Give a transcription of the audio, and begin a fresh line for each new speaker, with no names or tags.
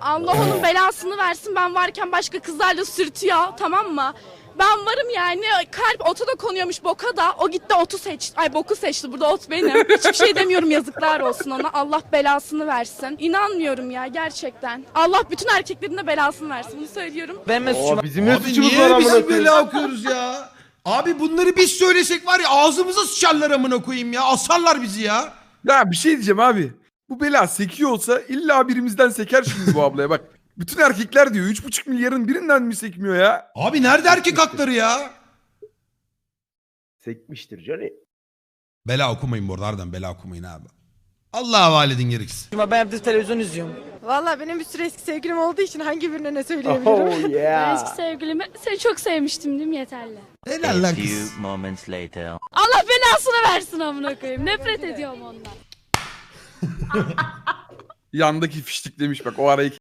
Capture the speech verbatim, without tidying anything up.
Allah onun belasını versin. Ben varken başka kızlarla sürtüyor, tamam mı? Ben varım yani. Kalp ota da konuyormuş, boka da. O gitti otu seçti. Ay boku seçti. Burada ot benim. Hiçbir şey demiyorum, yazıklar olsun ona. Allah belasını versin. İnanmıyorum ya gerçekten. Allah bütün erkeklerin de belasını versin. Bunu söylüyorum.
Ben ne suçum?
Bizim ne
Abi
suçumuz var
niye
amına
biz
koyayım?
böyle okuyoruz ya? Abi bunları biz söylesek var ya ağzımıza sıçarlar amına koyayım ya. Asarlar bizi ya.
Ya bir şey diyeceğim abi. Bu bela sekiyor olsa illa birimizden seker şimdi bu ablaya bak. Bütün erkekler diyor üç buçuk milyarın birinden mi sekmiyor ya?
Abi nerede erkek hakları ya?
Sekmiştir Johnny.
Bela okumayın bu arada, harbiden bela okumayın abi. Allah'a havale edin gerekirse.
Ben evde televizyon izliyorum.
Valla benim bir sürü eski sevgilim olduğu için hangi birine ne söyleyebilirim?
Oh
Ben
yeah.
eski sevgilimi seni çok sevmiştim değil mi, yeterli.
Helal lan kız.
few moments later.
Allah belasını versin amına koyayım. Nefret ediyorum ondan.
Yandaki fiştik demiş bak o arayı